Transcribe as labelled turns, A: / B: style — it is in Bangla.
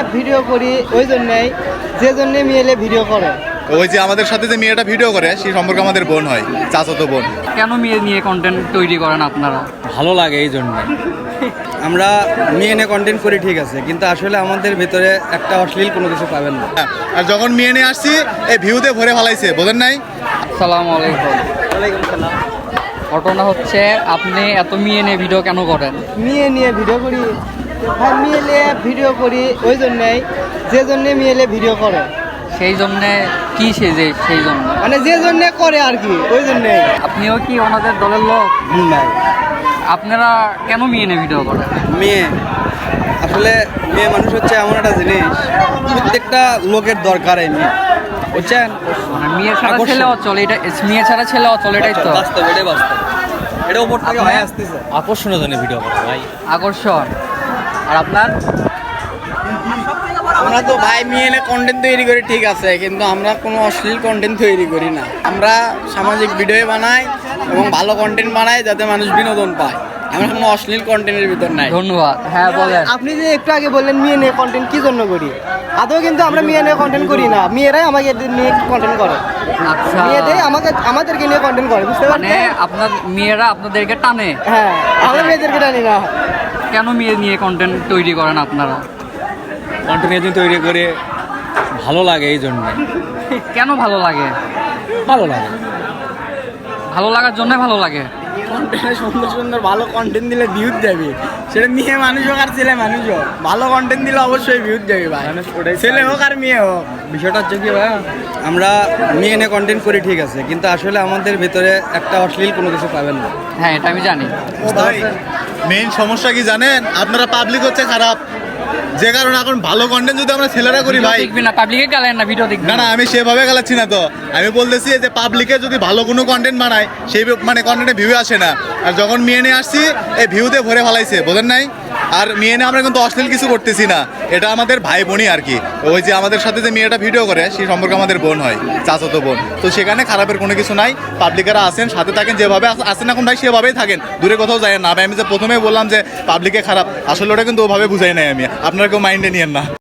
A: ভিডিও করি ওই জন্যই, যে জন্যে মেয়ে ভিডিও করে।
B: ওই যে আমাদের সাথে যে মেয়েটা ভিডিও করে সেই সম্পর্কে আমাদের বোন হয়, চাচাতো বোন।
C: কেন মেয়ে নিয়ে কন্টেন্ট তৈরি করেন আপনারা?
D: ভালো লাগে এই জন্য। আমরা মেয়ে নিয়ে কন্টেন্ট করি ঠিক আছে, কিন্তু আসলে আমাদের ভিতরে একটা অশ্লীল কোনো কিছু পাবেন না।
B: আর যখন মেয়ে নিয়ে আসছি এই ভিউতে ভরে ফেলাইছে, বোঝেন নাই?
C: আসসালামু আলাইকুম।
A: ওয়ালাইকুম সালাম।
C: ঘটনা হচ্ছে আপনি এত মেয়ে নিয়ে ভিডিও কেন করেন?
A: মেয়ে নিয়ে ভিডিও করি ভাই, মেয়ে নিয়ে ভিডিও করি ওই জন্যই, যে জন্যে মেয়ে ভিডিও করে।
C: সেই জন্যে কি সেজে? সেই জন্য
A: মানে যে জন্যে করে আর কি, ওই জন্যই।
C: আপনিও কি ওনাদের দলের লোক?
D: ভাই
C: আপনারা কেন মেয়ে নিয়ে ভিডিও করেন?
D: মেয়ে আসলে মেয়ে মানুষ হচ্ছে এমন একটা জিনিস, প্রত্যেকটা লোকের দরকার এই মেয়ে, বুঝছেন?
C: মানে মেয়ে ছাড়া
D: আকর্ষণ।
C: ছেলে অচল, এটা মেয়ে ছাড়া ছেলে অচল, এটাই তো
D: বাস্তব, এটাই বাস্তব। এটা উপর থেকে
C: আপনার-
D: হয়ে আসতেছে আকর্ষণের জন্য ভিডিও করে ভাই।
C: আকর্ষণ। আর আপনার?
E: আমরা তো ভাই মেয়ে এনে কন্টেন্ট তৈরি করি ঠিক আছে, কিন্তু আমরা কোনো অশ্লীল কন্টেন্ট তৈরি করি না। আমরা সামাজিক ভিডিও বানাই এবং ভালো কন্টেন্ট বানাই যাতে মানুষ বিনোদন পায়। আমরা কোনো অশ্লীল কন্টেন্টের ভিতর নাই।
C: ধন্যবাদ। হ্যাঁ বলেন।
A: আপনি যে একটু আগে বললেন মেয়ে নিয়ে কন্টেন্ট কি জন্য করি, আদৌ কিন্তু আমরা মেয়ে নিয়ে কন্টেন্ট করি না, মেয়েরাই আমাকে নিয়ে কন্টেন্ট করে।
C: আচ্ছা,
A: মেয়েদের আমাদেরকে নিয়ে কন্টেন্ট করে, বুঝতে
C: মানে
A: পারছেন?
C: আপনার মেয়েরা আপনাদেরকে টানে?
A: হ্যাঁ, আমরা মেয়েদেরকে জানি না।
C: কেন মেয়ে নিয়ে কন্টেন্ট তৈরি করেন আপনারা?
D: কন্টেন্ট এজেন্ট তৈরি করে ভালো লাগে এই জন্য।
C: কেন ভালো লাগে?
D: ভালো লাগে,
C: ভালো লাগার জন্য ভালো লাগে।
E: কন্টেন্টে সুন্দর সুন্দর ভালো কন্টেন্ট দিলে ভিউজ যাবে, সেটা মেয়ে মানুষ হোক আর ছেলে মানুষ হোক। ভালো কন্টেন্ট দিলে অবশ্যই ভিউজ যাবে ভাই, ছেলে হোক আর মেয়ে হোক।
D: বিষয়টা হচ্ছে কি ভাই, আমরা মেয়ে নিয়ে কন্টেন্ট করি ঠিক আছে, কিন্তু আসলে আমাদের ভিতরে একটা অশ্লীল কোনো কিছু পাবেন না।
C: হ্যাঁ, এটা আমি জানি।
B: মেইন সমস্যা কি জানেন? আপনারা পাবলিক হচ্ছে খারাপ, যে কারণে এখন ভালো কন্টেন্ট যদি আমরা ছেলেরা করি ভাই।
C: দেখবি না, পাবলিকে গালেন না, ভিডিও দেখবি
B: না না, আমি সেভাবে গেলাচ্ছি না তো, আমি বলতেছি যে পাবলিকে যদি ভালো কোনো কন্টেন্ট বানায় সেই মানে কন্টেন্টে ভিউ আসে না। আর যখন মেয়ে নিয়ে আসছি এই ভিউতে ভরে ফেলাইছে, বোঝেন নাই? আর মেয়ে নিয়ে আমরা কিন্তু অশ্লীল কিছু করতেছি না, এটা আমাদের ভাই বোনই আর কি। ওই যে আমাদের সাথে যে মেয়েটা ভিডিও করে সেই সম্পর্কে আমাদের বোন হয়, চাচাতো বোন। তো সেখানে খারাপের কোনো কিছু নাই। পাবলিকেরা আসেন, সাথে থাকেন, যেভাবে আসেন এখন ভাই সেভাবেই থাকেন, দূরে কোথাও যায় না ভাই। আমি যে প্রথমে বললাম যে পাবলিকে খারাপ, আসলে ওটা কিন্তু ওভাবে বুঝাই নাই আমি, আপনারা কেউ মাইন্ডে নিয়েন না।